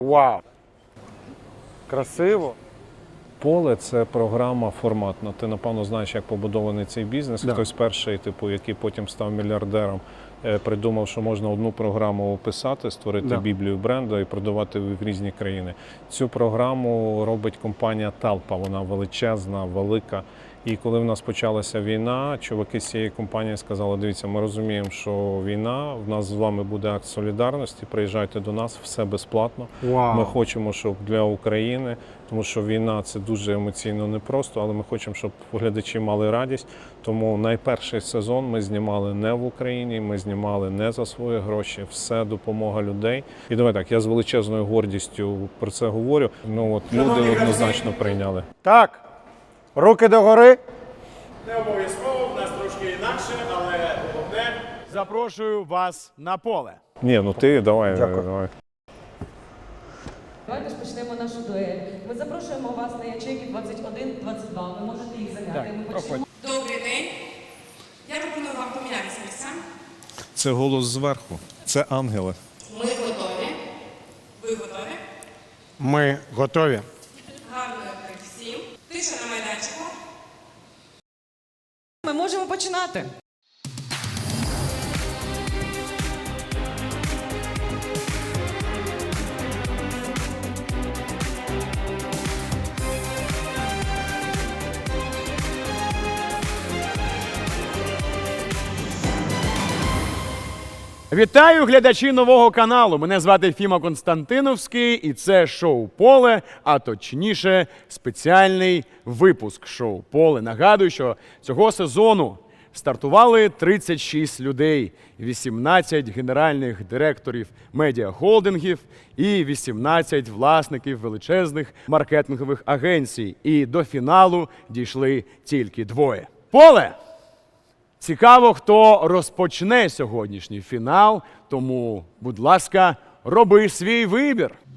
Вау! Красиво. Поле – це програма форматна. Ти, напевно, знаєш, як побудований цей бізнес. Да. Хтось перший, який потім став мільярдером, придумав, що можна одну програму описати, створити біблію бренду і продавати в різні країни. Цю програму робить компанія Талпа. Вона величезна, велика. І коли в нас почалася війна, чуваки з цієї компанії сказали: дивіться, ми розуміємо, що війна, в нас з вами буде акт солідарності, приїжджайте до нас, все безплатно. Вау. Ми хочемо, щоб для України, тому що війна – це дуже емоційно непросто, але ми хочемо, щоб глядачі мали радість. Тому найперший сезон ми знімали не в Україні, ми знімали не за свої гроші, все допомога людей. І давай так, я з величезною гордістю про це говорю. Люди однозначно прийняли. Так. Руки догори. Не обов'язково, в нас трошки інакше, але головне, запрошую вас на поле. Ні, ти давай. Дякую. Давай. Давайте ж почнемо нашу дуель. Ми запрошуємо вас на ячейки 21-22. Ви можете їх зайняти. Ми почнемо. Добрий день. Я пропоную вам помінятися місцями. Це голос зверху. Це ангели. Ми готові. Ви готові? Ми готові. Гарної гри всім. Тиша на майданчику. Ми можемо починати. Вітаю глядачі нового каналу. Мене звати Фіма Константиновський і це шоу «Поле», а точніше спеціальний випуск шоу «Поле». Нагадую, що цього сезону стартували 36 людей, 18 генеральних директорів медіахолдингів і 18 власників величезних маркетингових агенцій. І до фіналу дійшли тільки двоє. «Поле». Цікаво, хто розпочне сьогоднішній фінал, тому, будь ласка, роби свій вибір.